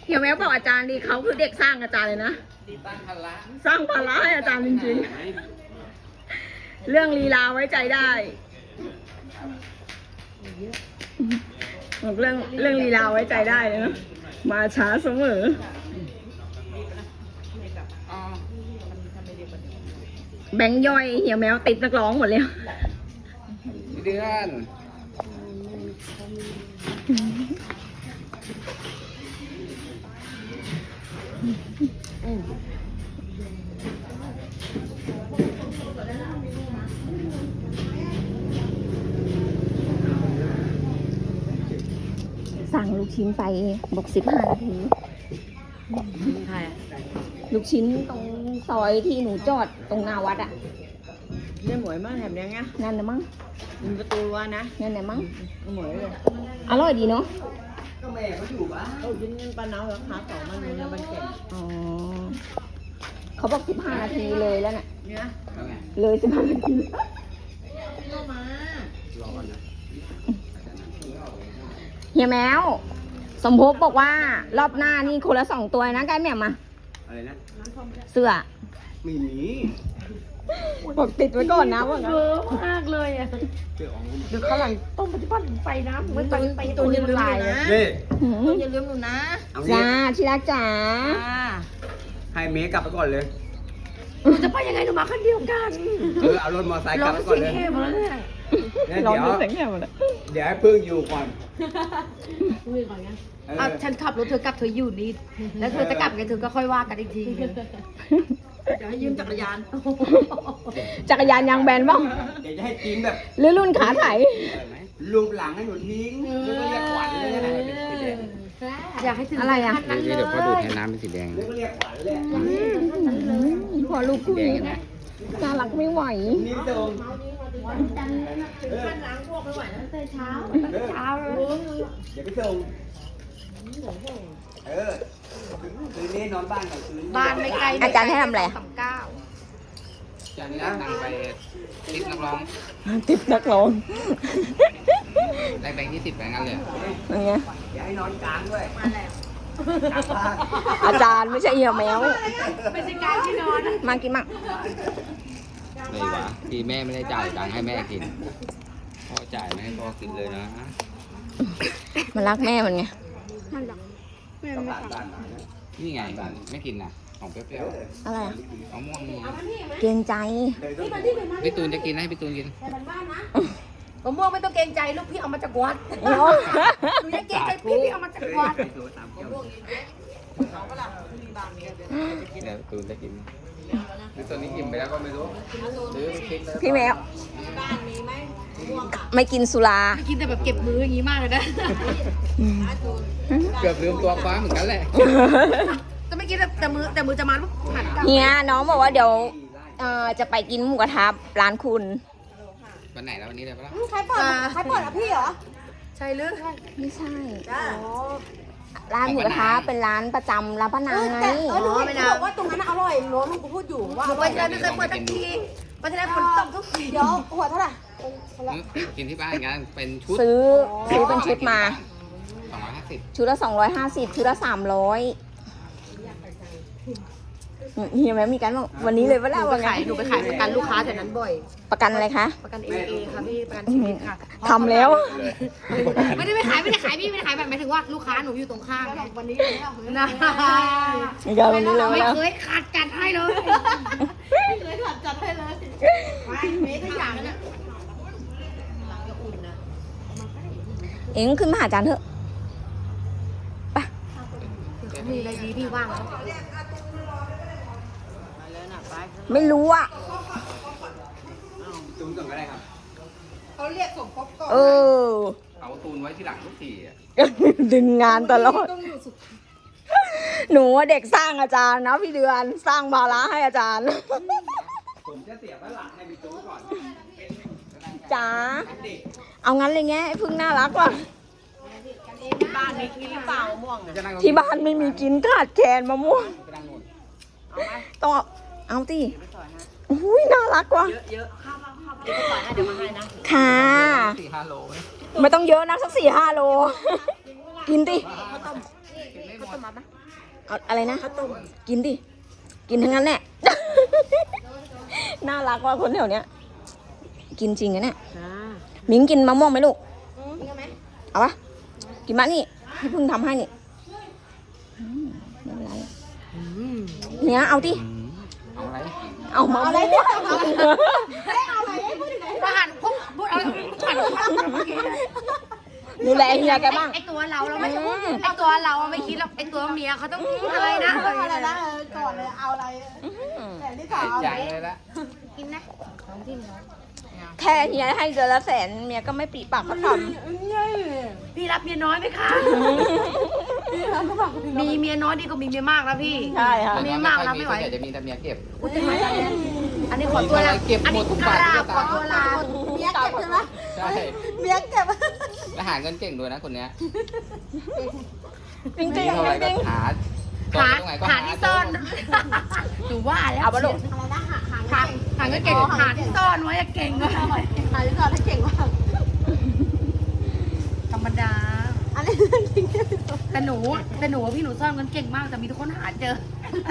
เฮียแมวบอกอาจารย์ดีเขาคือเด็กสร้างอาจารย์เลยนะสร้างภาระให้อาจารย์จริงๆเรื่องลีลาไว้ใจได้เรื่องลีลาไว้ใจได้เลยนะมาช้าเสมอแบงค์ย่อยเหี่ยวแมวติดนักร้องหมดเลยเดือนสั่งลูกชิ้นไปบอก15 นาทีใครลูกชิ้นตรงซอยที่หนูจอดตรงหน้าวัดอ่ะเนี่ยหมวยมากแถมเนี้ยไงนั่นนะมั้งมีประตูรั้วนะนั่นนะมั้งหมวยเลยอร่อยดีเนาะก็แม่เขาอยู่บ้านโอ้ยินเงินปลาเนาราคา2มันเนี่ยมันแก่อ๋อเขาบอก15 นาทีเลยแล้วน่ะเนี่ยเลย15 นาทีเข้ามารอก่อนนะเฮียแมวสมภพบอกว่ารอบหน้านี่คนละ2 ตัวนะใกล้แม่มาอะไรนะเสื้อไม่มีบอกติดไว้ก่อนนะว่างั้นเวอร์มากเลยอ่ะเจ้าอ๋องเดี๋ยวข้างหลังต้มปฏิบัติไฟน้ำไม่ไปตัวยืนลายนะนี่อย่าลืมหนูนะเอาจ้างี้ที่รักจ๋าให้เมย์กลับไปก่อนเลยหนูจะไปยังไงหนูมาคันเดียวกันเอารถมอเตอร์ไซค์กร้ลัอบ งไปก่อนเสียเลงยแหบแล้วเนี่ยเนี่ยร้องเดี๋ยวเสียงแหบหมดเลยเดี๋ยวให้พึ่งอยู่ก่อนอ่ะฉันขับรถเธอกลับเธออยู่นี่แล้วเธอจะกลับกันเธอก็ค่อยว่ากันอีกทีเดี๋ยวให้ยืมจักรยานจักรยานยางแบนบ้างเดี๋ยวจะให้กินแบบหรือรุ่นขาไถรูปหลังให้หนูทิ้งแล้วก็เรียกขวัญเลยนะเป็นสีแดงอยากให้ถึงอะไรอ่ะเดี๋ยวพ่อดูดให้น้ำเป็นสีแดงแล้วก็เรียกขวัญเลยพอลูกคู่นี้น่ารักไม่ไหวนี่ตรงขั้นล้างพวกไม่ไหวแล้วตั้งแต่เช้าเลยเดี๋ยวไปส่งคืนนี้นอนบ้านก่อนคืนบ้านไม่ไกลอาจารย์ให้ทำอะไรจะนั่งไปติดนักร้องติดนักร้องได้แบงค์20แบงค์กันเลยอย่างเงี้ยอย่าให้นอนกลางด้วยมาแล้วอาจารย์ไม่ใช่เหี่ยวแมวไม่ใช่การที่นอนนะมากินมั่งไม่หวะที่แม่ไม่ได้จ่ายตังค์ให้แม่กินพ่อจ่ายไม่ให้พ่อกินเลยนะมันรักแม่มันไงนี่ไงไม่กินนะของเปรี้ยวอะไรอ่ะๆของม่วงนี่เกรงใจพี่ตูนจะกินให้พี่ตูนกินมะม่วงไม่ต้องเกรงใจลูกพี่เอามาจากวัดโอ้หนูยังเกรงใจพี่เอามาจากวัดเดี๋ยวตูนจะกินหรือตอนนี้อิ่มไปแล้วก็ไม่รู้หรือคิดแล้วพี่แมวไม่กินสุรากินแต่แบบเก็บมืออย่างนี้มากเลยนะเกือบลืมตัวคว้าเหมือนกันแหละจะไม่กินแต่มือจะมาปุ๊บหันกลับเฮียน้องบอกว่าเดี๋ยวจะไปกินหมูกระทะร้านคุณวันไหนแล้ววันนี้เลยปะล่ะใครเปิดอ่ะพี่เหรอใช่หรือไม่ใช่จ้าร้านหมูกระทะเป็นร้านประจำร้านป้านางไงหนูไม่บอกว่าตรงนั้นอร่อยหนูกูพูดอยู่ว่าไปที่นั่นไม่เคยเปิดสักทีไปที่นั่นฝนตกทุกทีเดี๋ยวหัวเท่าไหร่กินที่บ้านกันเป็นชุดซื้อเป็นชุดมา 250 ชุดละ250ชุดละ300เฮียแม่มีกันบอกวันนี้เลยว่าหเรานูไปขายประกันลูกค้าแถวนั้นบ่อยประกันอะไรคะประกันเอค่ะพี่ประกันชีวิตค่ะทำแล้วไม่ได้ขายพี่ไม่ได้ขายแบบหมายถึงว่าลูกค้าหนูอยู่ตรงข้ามวันนี้เลยนะมีกันวันนี้เลยไม่ว่าเคยขาดจัดให้เลยไม่เคยขาดจัดให้เลยไม่ทุกอย่างเนี่ยเอ็งขึ้นมาหาอาจารย์เถอะไปมีอะไรดีพี่ว่างแล้วไม่รู้อ่ะตูนก่อนก็ได้ครับเขาเรียกสมภพก่อนเออเอาตูนไว้ที่หลังทุกทีอ่ะดึงงานตลอด หนูว่าเด็กสร้างอาจารย์นะพี่เดือนสร้างภาระให้อาจารย์ผมจะเสียบด้านหลังให้พี่ตูนก่อนจ๋าเอางั้นเลยไงไอ้พึ่งน่ารักว่ะบ้านมีกินหรือเปล่าม่วงจะนั่งตรงที่บ้านไม่มีกินขาดแคลนมะม่วงไปนั่งนู่นต้องเอาสิอุ้ยน่ารักว่ะเยอะข้าวเดี๋ยวมาให้นะค่ะ 4-5 โลไหมไม่ต้องเยอะนะสัก4-5 โล กินดิข้าวต้มาวต้มมัดนะเอาอะไรนะข้าวต้มกินดิ กินทั้งนั้นแหละ น่ารักว่าคนแถวเนี้ย กินจริงนะเนี่ยจ้ามิงกินมะม่วงไหมลูกกินไหมเอาปะกินมะนี่พี่เพิ่งทำให้นี่ไม่เป็นไรเนี่ยเอาดิเอาอะไรเอามะม่วงอาหารพุ่งพูดอะไรหันดูแลเฮียแกบ้างไอตัวเราไม่พูดไอตัวเราไม่คิดหรอกไอตัวเมียเขาต้องอะไรนะอะไรนะก่อนเลยเอาอะไรแต่ที่สองใจเลยละกินนะแค่เฮียให้เดือนละแสนเมียก็ไม่ปีปากก็ทพี่รับเมียน้อยไหมคะมีเมียน้อยดีกว่ามีเมียมากนะพี่ำใช่ค่ะเมียมากรับไม่ไหวส่วนใหญ่จะมีแต่เมียเก็บอุ้ยจะมาจังเลยอันนี้ขอตัวลาเก็บอันหมนี้ดทุกกบาทราทุบกขสอตางค์ตัวลาเมียเก็บใช่ไหมใช่เมียเก็บแล้วหาเงินเก่งด้วยนะคนเนี้ยจริงจริมีงเท่าไหร่จก็ริงหาหาตรงไหนก็หาที่ซ่อนหนูว่าแล้วเอาปะลูกอะไรนะหาก็เก่งหาที่ซ่อนไว้อะเก่งเลยหาที่ซ่อนให้เก่งมากธรรมดาอันนี้เรื่องจริงแต่หนูว่าพี่หนูซ่อนเงินเก่งมากแต่มีทุกคนหาเจอ